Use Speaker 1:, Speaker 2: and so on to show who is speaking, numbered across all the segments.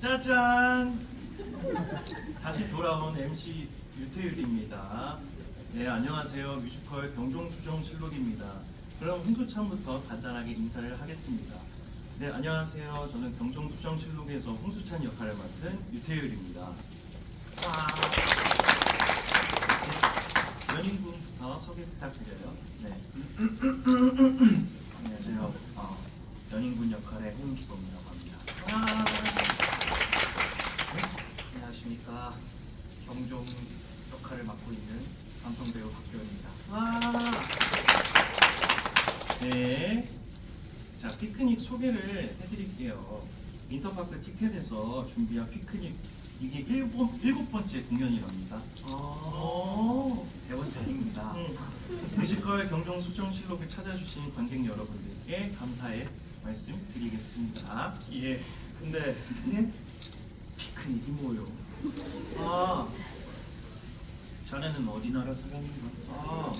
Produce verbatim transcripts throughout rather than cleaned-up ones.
Speaker 1: 짜잔! 다시 돌아온 엠씨 유태율입니다. 네, 안녕하세요. 뮤지컬 병종수정실록입니다. 그럼 홍수찬부터 간단하게 인사를 하겠습니다. 네, 안녕하세요. 저는 병종수정실록에서 홍수찬 역할을 맡은 유태율입니다. 와. 네, 연인분부터 소개 부탁드려요.
Speaker 2: 네. 안녕하세요. 어, 연인군 역할의 홍기범이라고 합니다.
Speaker 1: 와.
Speaker 2: 네. 안녕하십니까. 경종 역할을 맡고 있는 남성 배우 박교현입니다.
Speaker 1: 와. 네. 자, 피크닉 소개를 해드릴게요. 인터파크 티켓에서 준비한 피크닉, 이게 일곱, 일곱 번째 공연이랍니다.
Speaker 2: 어, 네 번째입니다.
Speaker 1: 음, 뮤지컬 경종수정실록을 찾아주신 관객 여러분들께 감사의 말씀 드리겠습니다.
Speaker 2: 예. 근데
Speaker 1: 네?
Speaker 2: 피크닉이 뭐요?
Speaker 1: 아, 자네는 어디 나라 사람인가? 아,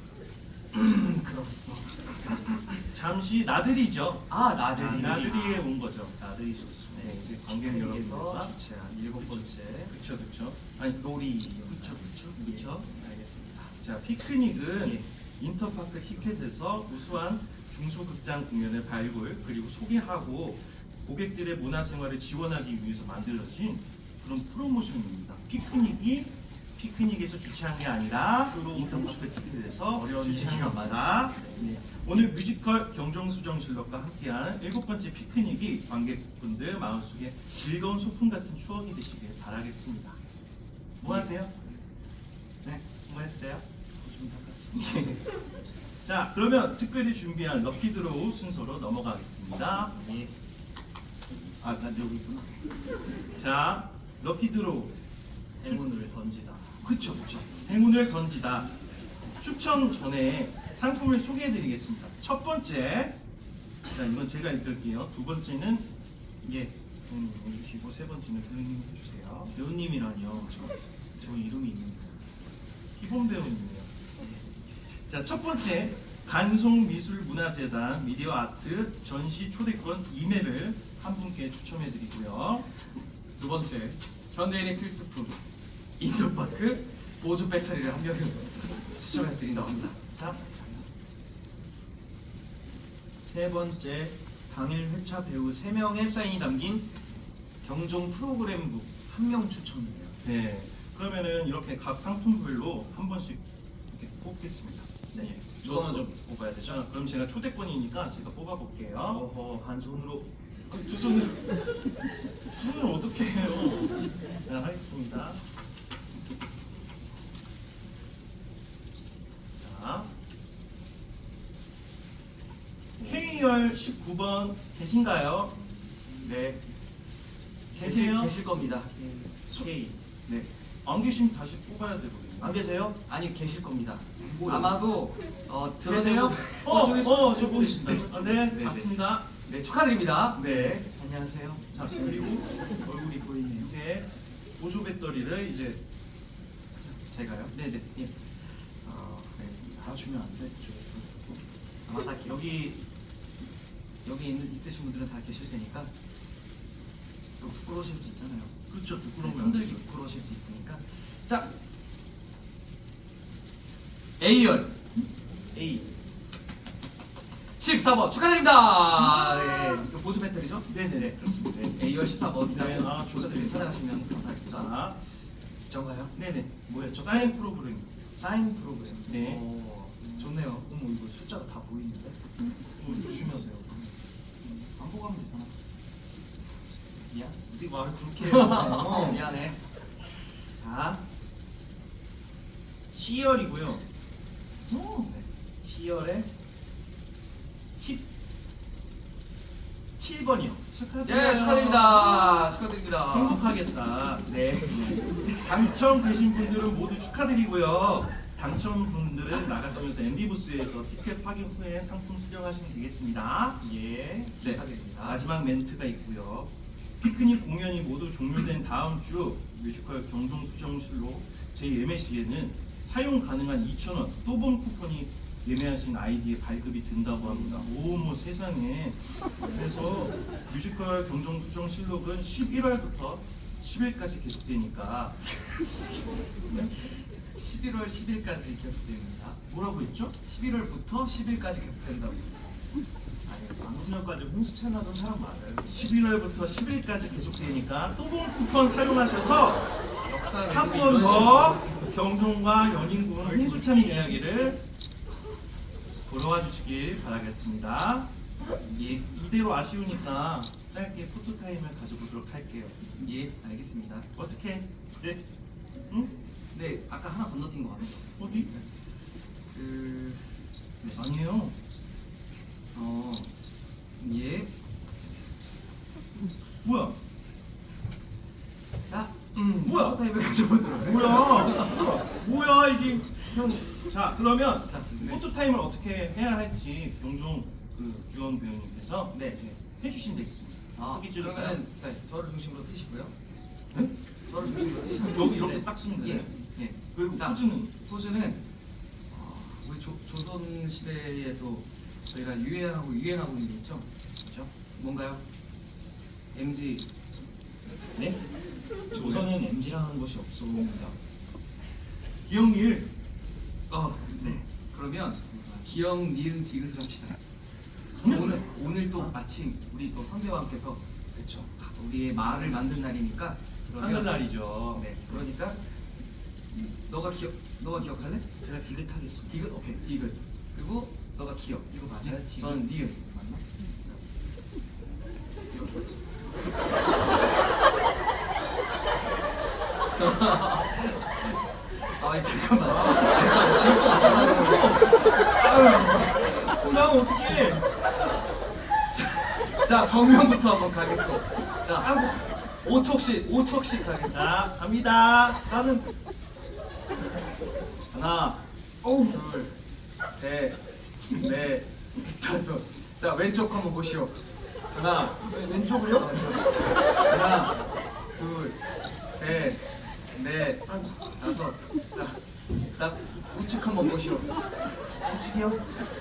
Speaker 2: 그렇소.
Speaker 1: 잠시 나들이죠.
Speaker 2: 아, 나들이.
Speaker 1: 나들이에 온 거죠. 나들이셨습니다.
Speaker 2: 네,
Speaker 1: 이제 관객
Speaker 2: 피크닉에서
Speaker 1: 여러분들과
Speaker 2: 주최한 일곱 번째
Speaker 1: 그쵸 그쵸. 아니
Speaker 2: 놀이.
Speaker 1: 그쵸 그쵸
Speaker 2: 예,
Speaker 1: 그쵸.
Speaker 2: 알겠습니다.
Speaker 1: 자, 피크닉은
Speaker 2: 예.
Speaker 1: 인터파크 티켓에서 우수한 중소극장 공연을 발굴 그리고 소개하고 고객들의 문화생활을 지원하기 위해서 만들어진 그런 프로모션입니다. 피크닉이 피크닉에서 주최한 게 아니라 인터파크 티켓에서
Speaker 2: 어려운
Speaker 1: 주최한
Speaker 2: 얘기가
Speaker 1: 겁니다.
Speaker 2: 많습니다.
Speaker 1: 네. 오늘 뮤지컬 경종수정실록과 함께하는 일곱 번째 피크닉이 관객분들 마음속에 즐거운 소풍 같은 추억이 되시길 바라겠습니다. 뭐 하세요? 네, 뭐 했어요?
Speaker 2: 좀 닦았습니다.
Speaker 1: 자, 그러면 특별히 준비한 럭키드로우 순서로 넘어가겠습니다.
Speaker 2: 예.
Speaker 1: 아, 난 여기 있구나. 자, 럭키드로우.
Speaker 2: 행운을 던지다.
Speaker 1: 그쵸, 그쵸. 행운을 던지다. 추첨 전에 상품을 소개해드리겠습니다. 첫 번째, 자, 이건 제가 읽을게요. 두 번째는 예, 배우님 해주시고 세 번째는 배우님 해주세요.
Speaker 2: 배우님이라뇨. 저, 저 이름이 있는데.
Speaker 1: 기본 배우님이에요. 자, 첫 번째 간송미술문화재단 미디어 아트 전시 초대권 이 매를 한 분께 추첨해드리고요.
Speaker 2: 두 번째, 현대인의 필수품 인터파크 보조 배터리를 한 명을 추첨해 드린다고 합니다.
Speaker 1: 자,
Speaker 3: 세 번째, 당일 회차 배우 세 명의 사인이 담긴 경종 프로그램북 한 명 추천이에요.
Speaker 1: 네. 그러면은 이렇게 각 상품별로 한 번씩 이렇게 뽑겠습니다.
Speaker 3: 네.
Speaker 1: 좋았어.
Speaker 3: 이거는 좀 뽑아야 되죠.
Speaker 1: 자, 그럼 제가 초대권이니까 제가 뽑아볼게요.
Speaker 3: 어허, 한 손으로.
Speaker 1: 아니, 두 손을 손을 어떻게 해요? 자, 하겠습니다. 자, 케이알 십구 번 계신가요?
Speaker 2: 네,
Speaker 1: 계세요?
Speaker 2: 계실 겁니다.
Speaker 3: K.
Speaker 1: 네. 안 계시면 다시 뽑아야 되거든요.
Speaker 3: 안 계세요?
Speaker 2: 아니 계실 겁니다.
Speaker 3: 뭐요?
Speaker 2: 아마도 어,
Speaker 3: 계세요?
Speaker 2: 들어서
Speaker 1: 어,
Speaker 3: 저기
Speaker 1: 어,
Speaker 3: 저기
Speaker 1: 저
Speaker 3: 보이신다.
Speaker 1: 보이신다. 아, 네,
Speaker 2: 네,
Speaker 1: 맞습니다.
Speaker 2: 네 축하드립니다.
Speaker 1: 네.
Speaker 3: 안녕하세요.
Speaker 1: 자, 그리고
Speaker 3: 얼굴이 보이네요.
Speaker 1: 이제 보조 배터리를 이제
Speaker 2: 제가요?
Speaker 1: 네네. 예.
Speaker 2: 어, 알겠습니다.
Speaker 3: 다 주면 안 돼?
Speaker 2: 아마 다 여기 여기 있는, 있으신 분들은 다 계실 테니까 또 부끄러우실 수 있잖아요.
Speaker 1: 그렇죠. 부끄러운
Speaker 2: 손들기 부끄러우실 수 있으니까. 자, A열
Speaker 1: A.
Speaker 2: 십사 번 축하드립니다. 네, 이거 보조 배터리죠?
Speaker 1: 네네네. 그렇습니다. 네.
Speaker 2: A열 십사 번이라고
Speaker 1: 네, 아, 축하드립니다.
Speaker 2: 찾아가시면 감사하겠습니다.
Speaker 1: 자,
Speaker 3: 저가요?
Speaker 1: 네네. 뭐였죠? 사인 프로그램.
Speaker 3: 사인 프로그램.
Speaker 1: 네.
Speaker 3: 어,
Speaker 2: 좋네요.
Speaker 3: 어머, 이거 숫자가 다 보이는데?
Speaker 1: 뭐 조심하세요.
Speaker 3: 안 보고 하면 되잖아.
Speaker 2: 미안.
Speaker 1: 어떻게 말을 그렇게
Speaker 2: 어,
Speaker 1: 해요?
Speaker 2: 미안해.
Speaker 1: 자, C열이고요.
Speaker 3: 오.
Speaker 1: C열에 십칠 번이요. 축하드려요.
Speaker 2: 예, 축하드립니다. 축하드립니다.
Speaker 1: 행복하겠다.
Speaker 2: 네.
Speaker 1: 당첨되신 분들은 모두 축하드리고요. 당첨분들은 나가시면서 엠비부스에서 티켓 확인 후에 상품 수령하시면 되겠습니다.
Speaker 2: 예,
Speaker 1: 네,
Speaker 2: 축하드립니다.
Speaker 1: 마지막 멘트가 있고요. 피크닉 공연이 모두 종료된 다음 주 뮤지컬 경종수정실로 제이 엠에이씨에는 사용 가능한 이천 원 또본 쿠폰이 예매하신 아이디에 발급이 된다고 합니다. 오뭐 세상에. 그래서 뮤지컬 경종수정실록은 십일월부터 십 일까지 계속되니까.
Speaker 2: 십일월 십 일까지 계속됩니다.
Speaker 1: 뭐라고 했죠?
Speaker 2: 십일월부터 십 일까지 계속된다고.
Speaker 3: 아니 방금 전까지 홍수 채널던 사람 맞아요.
Speaker 1: 십일월부터 십 일까지 계속되니까 또봉 쿠폰 사용하셔서
Speaker 2: 역사를
Speaker 1: 한 번 더 경종과 연인군 홍수찬이 이야기를 보러 와주시길 바라겠습니다.
Speaker 2: 예,
Speaker 1: 이대로 아쉬우니까 짧게 포토타임을 가져보도록 할게요.
Speaker 2: 예, 알겠습니다.
Speaker 1: 어떻게?
Speaker 3: 네.
Speaker 1: 응?
Speaker 2: 네, 아까 하나 건너뛴 것 같아요.
Speaker 1: 어디?
Speaker 2: 그, 네,
Speaker 1: 아니에요.
Speaker 2: 어, 예,
Speaker 1: 뭐야?
Speaker 2: 자, 음,
Speaker 1: 뭐야?
Speaker 2: 포토타임을 가져보도록 할게요.
Speaker 1: 뭐야? 뭐야 이게? 형. 자 그러면
Speaker 2: 자, 네.
Speaker 1: 포토타임을 어떻게 해야 할지 경종 그 규원 배우님께서
Speaker 2: 네.
Speaker 1: 이제 해주시면 되겠습니다.
Speaker 2: 아,
Speaker 1: 후기 찍을까요?
Speaker 2: 그러면은 네, 저를 중심으로 쓰시고요.
Speaker 1: 네?
Speaker 2: 저를 중심으로 쓰시면
Speaker 1: 여기 이렇게
Speaker 2: 네.
Speaker 1: 딱 쓰면
Speaker 2: 예,
Speaker 1: 돼요.
Speaker 2: 예.
Speaker 1: 그리고
Speaker 2: 자,
Speaker 1: 포즈는?
Speaker 2: 포즈는 어, 우리 조, 조선 시대에 또 저희가 유행하고 유행하고 있는 게 있죠. 그렇죠? 뭔가요? 엠지.
Speaker 3: 네? 조선엔 엠지라는 것이 없습니다.
Speaker 1: 기영일.
Speaker 2: 어, 네. 그러면 기영, 니은, 디귿을 합시다. 오늘 오늘 또 마침 우리 또 선배왕께서 그렇죠. 우리의 말을 만든 날이니까 그러면
Speaker 1: 하늘날이죠.
Speaker 2: 네. 그러니까 너가 기억 너가 기억할래?
Speaker 3: 제가 디귿하겠습니다.
Speaker 2: 디귿 오케이 디귿 그리고 너가 기억 이거 맞아요?
Speaker 3: 네, 디귿.
Speaker 2: 저는 니은 맞나? 아 잠깐만 잠깐 지울 수 없잖아.
Speaker 3: 나 어떻게?
Speaker 2: 자 정면부터 한번 가겠어. 자 오 촉씩 오 촉씩 가겠어.
Speaker 1: 자 갑니다.
Speaker 3: 나는
Speaker 2: 하나, 둘, 셋, 넷, 다섯. 자 왼쪽 한번 보시오. 하나,
Speaker 3: 왼쪽으로요?
Speaker 2: 하나, 둘, 셋, 넷, 다섯. 자, 나 우측 한번 보시오.
Speaker 3: 우측이요?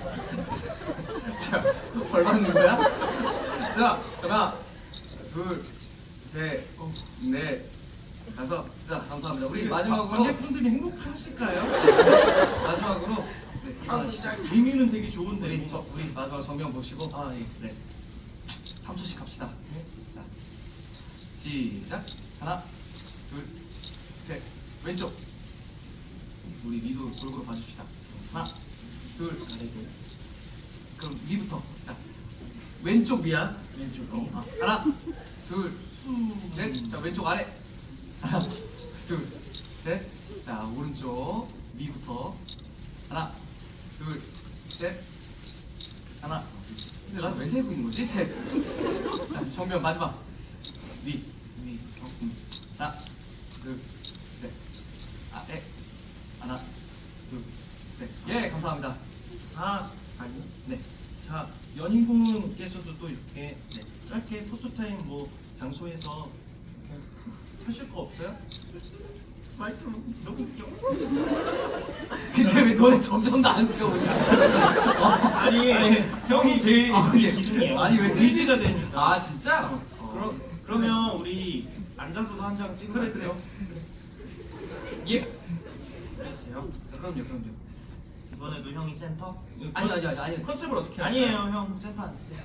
Speaker 2: 자, 벌 받는 거야? 자, 하나, 둘, 셋, 넷, 다섯. 자, 감사합니다. 우리 마지막으로
Speaker 1: 관객분들이 행복하실까요?
Speaker 2: 마지막으로 네, 일어나시죠.
Speaker 1: 의미는 되게 좋은데.
Speaker 2: 우리 저 우리 마지막 정면 보시고
Speaker 1: 아 예.
Speaker 2: 네. 삼 초씩 갑시다. 자, 시작. 하나, 둘, 셋. 왼쪽. 우리 위도 골고루 봐줍시다. 하나, 둘, 아래도. 그럼 위부터. 자, 왼쪽 위야. 왼쪽. 어. 아, 하나, 둘, 셋. 자, 왼쪽 아래. 하나, 둘, 셋. 자, 오른쪽 위부터. 하나, 둘, 셋. 하나. 근데 난 왜 세고 있는 거지? 셋. 자, 정면 마지막. 위, 위. 어, 음. 하나, 둘, 셋. 아래. 하나, 둘, 셋. 예, 감사합니다.
Speaker 1: 아 아니요.
Speaker 2: 네.
Speaker 1: 자 연인군께서도 또 이렇게 네, 짧게 포토타임 뭐 장소에서 이렇게 하실 거 없어요? 말투 너무 웃겨.
Speaker 2: 근데 왜 너네 점점 나한테 오냐?
Speaker 1: 아니, 아니 형이 제일
Speaker 2: 아, 예.
Speaker 1: 기둥이에요.
Speaker 2: 아니 왜
Speaker 1: 의지가
Speaker 2: 세지?
Speaker 1: 되니까.
Speaker 2: 아 진짜?
Speaker 3: 그러, 그러면 우리 앉아서도 한 장 찍으면
Speaker 1: 그래 그래요.
Speaker 2: 예.
Speaker 3: 돼요?
Speaker 2: 그럼요, 그럼요.
Speaker 3: 이번에도 형이 센터?
Speaker 2: 아니 아니 아니 아니.
Speaker 1: 컨셉을 어떻게 할까요?
Speaker 3: 아니에요, 형 센터 앉으세요.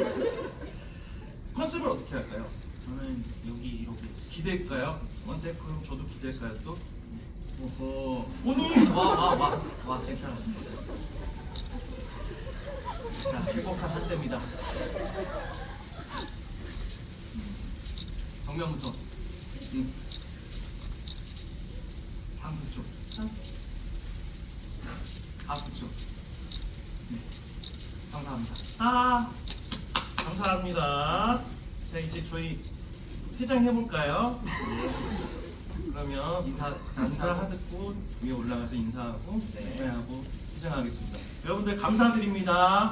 Speaker 1: 컨셉을 어떻게 할까요?
Speaker 3: 저는 여기 이렇게
Speaker 1: 기대할까요? 원태 그럼 저도 기대할까요 또?
Speaker 3: 오호.
Speaker 1: 오늘
Speaker 2: 와와와와 괜찮아. 자 행복한 한때입니다. 정면부터. 음. 상수 쪽. 하수 쪽. 네. 감사합니다.
Speaker 1: 아 감사합니다. 자 이제 저희 회장 해볼까요? 그러면
Speaker 2: 인사
Speaker 1: 인사하고 위에 올라가서 인사하고
Speaker 2: 네.
Speaker 1: 인사하고 회장하겠습니다. 여러분들 감사드립니다.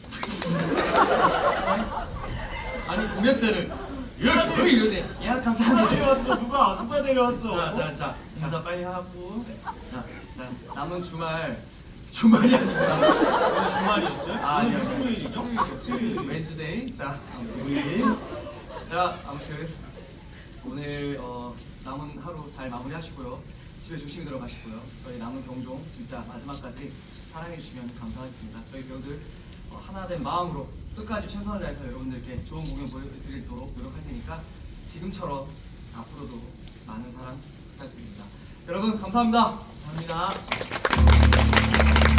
Speaker 2: 아니 공연 때를 이렇게 왜 이러네. 야
Speaker 3: 누가
Speaker 2: 감사합니다.
Speaker 3: 데려왔어? 누가? 누가 데려왔어?
Speaker 1: 자자자 인사 빨리 하고
Speaker 2: 자, 자 남은 주말 주말이 아니라
Speaker 1: 오늘 주말이었어요?
Speaker 2: 아,
Speaker 1: 오늘
Speaker 2: 예.
Speaker 1: 수요일이죠?
Speaker 2: 수요일이죠.
Speaker 1: 수요일.
Speaker 2: 웬즈데이. 자, 아무튼
Speaker 1: 수요일.
Speaker 2: 자, 아무튼 오늘 어, 남은 하루 잘 마무리하시고요. 집에 조심히 들어가시고요. 저희 남은 경종 진짜 마지막까지 사랑해 주시면 감사하겠습니다. 저희 배우들 어, 하나된 마음으로 끝까지 최선을 다해서 여러분들께 좋은 공연 보여드리도록 노력할 테니까 지금처럼 앞으로도 많은 사랑 부탁드립니다. 여러분 감사합니다.
Speaker 1: 감사합니다.